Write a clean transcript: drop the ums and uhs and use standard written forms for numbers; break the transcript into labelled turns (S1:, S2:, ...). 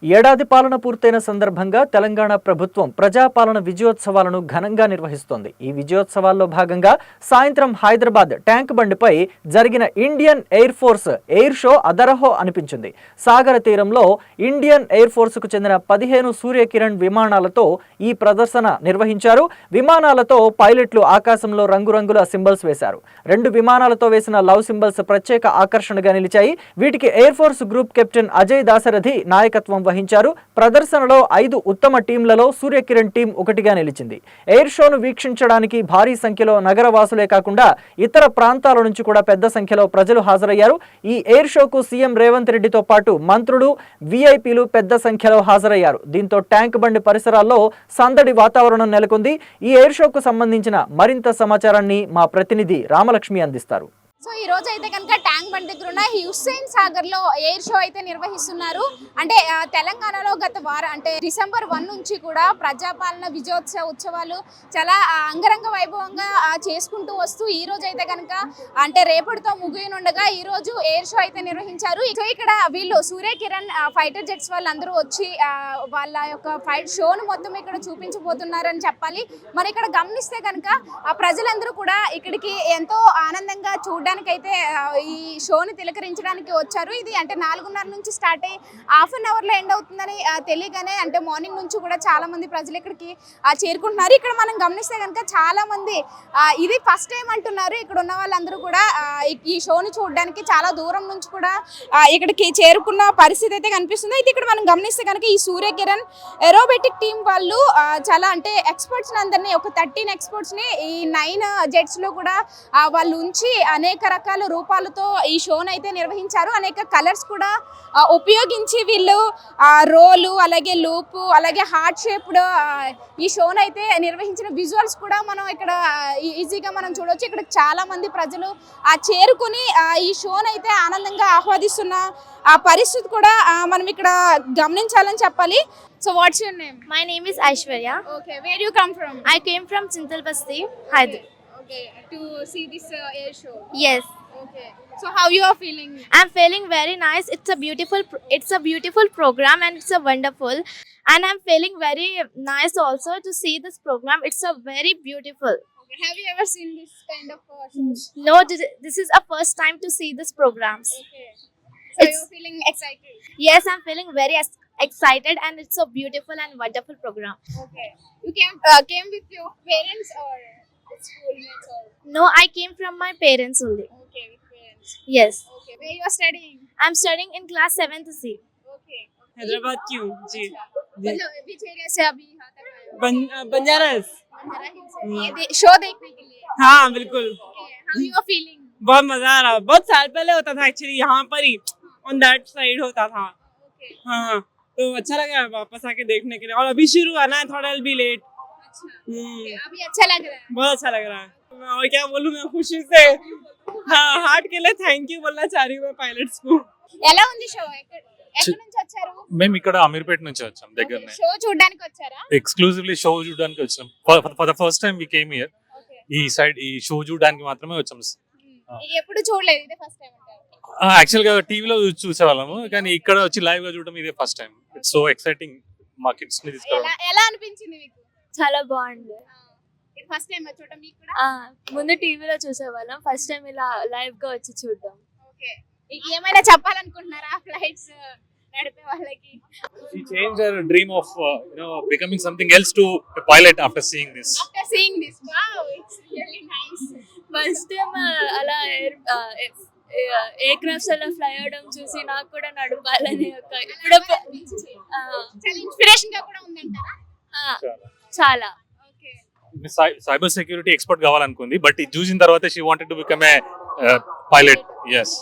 S1: ఏడాది పాలన పూర్తయిన సందర్భంగా తెలంగాణ ప్రభుత్వం ప్రజాపాలన విజయోత్సవాలను ఘనంగా నిర్వహిస్తోంది. ఈ విజయోత్సవాల్లో భాగంగా సాయంత్రం హైదరాబాద్ ట్యాంక్ బండిపై జరిగిన Indian air force air show అదరహో అనిపించింది. సాగర తీరంలో ఇండియన్ ఎయిర్ ఫోర్స్కు చెందిన 15 సూర్యకిరణ్ విమానాలతో ఈ ప్రదర్శన నిర్వహించారు. విమానాలతో పైలట్లు ఆకాశంలో రంగురంగుల సింబల్స్ వేశారు. 2 విమానాలతో వేసిన లవ్ సింబల్స్ ప్రత్యేక ఆకర్షణగా నిలిచాయి. వీటికి air force group captain Ajay Dasharathi నాయకత్వం వహించారు. ప్రదర్శనలో 5 ఉత్తమ టీంలలో సూర్యకిరణ్ టీం ఒకటిగా నిలిచింది. ఎయిర్ షోను వీక్షించడానికి భారీ సంఖ్యలో నగర వాసులే కాకుండా ఇతర ప్రాంతాల నుంచి కూడా పెద్ద సంఖ్యలో ప్రజలు హాజరయ్యారు. ఈ ఎయిర్ షోకు సీఎం రేవంత్ రెడ్డితో పాటు మంత్రులు, వీఐపీలు పెద్ద సంఖ్యలో హాజరయ్యారు. దీంతో ట్యాంక్ బండి పరిసరాల్లో సందడి వాతావరణం నెలకొంది. ఈ ఎయిర్ షోకు సంబంధించిన మరింత సమాచారాన్ని మా ప్రతినిధి రామలక్ష్మి అందిస్తారు.
S2: సో ఈ రోజు అయితే కనుక ట్యాంక్ బండ్ దగ్గర ఉన్న హుస్సేన్ సాగర్ లో ఎయిర్ షో అయితే నిర్వహిస్తున్నారు. అంటే తెలంగాణలో గత వారం అంటే డిసెంబర్ 1 నుంచి కూడా ప్రజాపాలన విజయోత్సవ ఉత్సవాలు చాలా అంగరంగ వైభవంగా చేసుకుంటూ వస్తూ ఈ రోజు అయితే కనుక అంటే రేపటితో ముగియనుండగా ఈ రోజు ఎయిర్ షో అయితే నిర్వహించారు. సో ఇక్కడ వీళ్ళు సూర్యకిరణ్ ఫైటర్ జెట్స్ వాళ్ళందరూ వచ్చి వాళ్ళ యొక్క ఫైట్ షోను మొత్తం ఇక్కడ చూపించబోతున్నారని చెప్పాలి. మరి ఇక్కడ గమనిస్తే కనుక ప్రజలందరూ కూడా ఇక్కడికి ఎంతో ఆనందంగా చూడడానికి అయితే ఈ షోని తిలకరించడానికి వచ్చారు. ఇది అంటే 4:30 నుంచి స్టార్ట్ అయ్యి ½ అన్ అవర్లో ఎండ్ అవుతుందని తెలియగానే అంటే మార్నింగ్ నుంచి కూడా చాలా మంది ప్రజలు ఇక్కడికి చేరుకుంటున్నారు. ఇక్కడ మనం గమనిస్తే కనుక చాలా మంది ఇది ఫస్ట్ టైం అంటున్నారు. ఇక్కడ ఉన్న వాళ్ళందరూ కూడా ఈ షోని చూడడానికి చాలా దూరం నుంచి కూడా ఇక్కడికి చేరుకున్న పరిస్థితి అయితే కనిపిస్తుంది. అయితే ఇక్కడ మనం గమనిస్తే కనుక ఈ సూర్యకిరణ్ ఏరోబెటిక్ టీం వాళ్ళు చాలా అంటే ఎక్స్పర్ట్స్ అందరినీ ఒక 13 ఎక్స్పర్ట్స్ ని ఈ 9 జెట్స్ లో కూడా వాళ్ళు ఉంచి అనేక రకాల రూపాలతో ఈ షోను అయితే నిర్వహించారు. అనేక కలర్స్ కూడా ఉపయోగించి వీళ్ళు రోలు, అలాగే లూపు, అలాగే హార్ట్ షేప్డ్ ఈ షోను అయితే నిర్వహించిన విజువల్స్ కూడా మనం ఇక్కడ ఈజీగా మనం చూడవచ్చు. ఇక్కడ చాలా మంది ప్రజలు చేరుకుని ఈ షోను అయితే ఆనందంగా ఆహ్వాదిస్తున్న ఆ పరిస్థితి కూడా మనం ఇక్కడ గమనించాలని చెప్పాలి. So what's your name?
S3: My name is Aishwarya.
S2: Okay, where do you come from?
S3: I came from Chintal Basti, Hyderabad.
S2: Okay, to see this air show.
S3: Yes,
S2: Okay, so how you are feeling?
S3: I'm feeling very nice. It's a beautiful program and it's a wonderful. And I'm feeling very nice also to see this program. It's a very beautiful.
S2: Okay, have you ever seen this kind of shows?
S3: No, this is a first time to see this programs.
S2: Okay, so
S3: It's-
S2: you're feeling excited.
S3: Yes, I'm feeling very excited and it's a beautiful and wonderful program.
S2: Okay, you came with your parents or with schoolmates or?
S3: No, I came from my parents only.
S2: Okay, with parents.
S3: Yes,
S2: Okay, where you are studying?
S3: I'm studying in class 7th C.
S2: Okay.
S4: Hyderabad क्यों जी
S2: मतलब which area से अभी यहाँ तक आए हो?
S4: बंजारास
S2: बंजारा हिल से। ये शो देखने के लिए।
S4: हाँ बिल्कुल
S2: Okay, how you are feeling?
S4: बहुत मजा आ रहा। बहुत साल पहले होता था एक्चुअली, यहाँ पर ही ऑन दैट साइड होता था।
S2: Okay.
S4: हाँ तो अच्छा लगा वापस आके देखने के लिए। और अभी शुरू आना है, थोड़ा बी लेट।
S2: अच्छा, okay, अभी अच्छा लग रहा है।
S4: बहुत अच्छा लग रहा है। और क्या बोलूँ मैं खुशी से। हाँ हार्ट के लिए थैंक यू बोलना चाह रही हूँ मैं पायलट्स को।
S2: ఎలా ఉంది షో? ఎక్కడి నుంచి వచ్చారు?
S5: మేము ఇక్కడ అమీర్పేట నుంచి వచ్చాం, దగ్గరనే.
S2: షో చూడడానికి వచ్చారా?
S5: ఎక్స్క్లూజివ్లీ షో చూడడానికి వచ్చాం. For the first time we came here.
S2: Okay.
S5: ఈ సైడ్ ఈ షో చూడడానికి మాత్రమే వచ్చాం.
S2: ఎప్పుడు చూడలేదు, ఇదే ఫస్ట్ టైం అంటారు.
S5: యాక్చువల్ గా టీవీలో చూసేవాళ్ళము, కానీ ఇక్కడ వచ్చి లైవ్ గా చూడడం ఇదే first time. It's so exciting. మా కిడ్స్ ని తీసుకురావడం.
S2: ఎలా అనిపించింది మీకు?
S3: చాలా బాగుంది.
S2: ఇది ఫస్ట్ టైం చూడడం మీకు కూడా?
S3: ముందు టీవీలో చూసేవాళ్ళం, ఫస్ట్ టైం ఇలా లైవ్ గా వచ్చి చూడడం.
S2: ఓకే, ఏమైనా చెప్పాలనుకుంటున్నారా ఫ్లైట్స్ నడిపే వాళ్ళకి?
S5: She changed her dream of becoming something else to a pilot after seeing this.
S2: After seeing this, wow, it's really nice.
S3: First time అలా ఎయిర్ క్రాఫ్ట్స్ అలా ఫ్లై అవడం చూసి నాకు కూడా నడపాలని ఒక ఇప్పుడు
S2: చాలా ఇన్స్పిరేషన్ గా కూడా ఉందంటారా?
S3: చాలా
S2: ఓకే.
S5: సైబర్ సెక్యూరిటీ ఎక్స్పర్ట్ కావాలనుకుంది, బట్ ఇది చూసిన తర్వాత she wanted to become a pilot. yes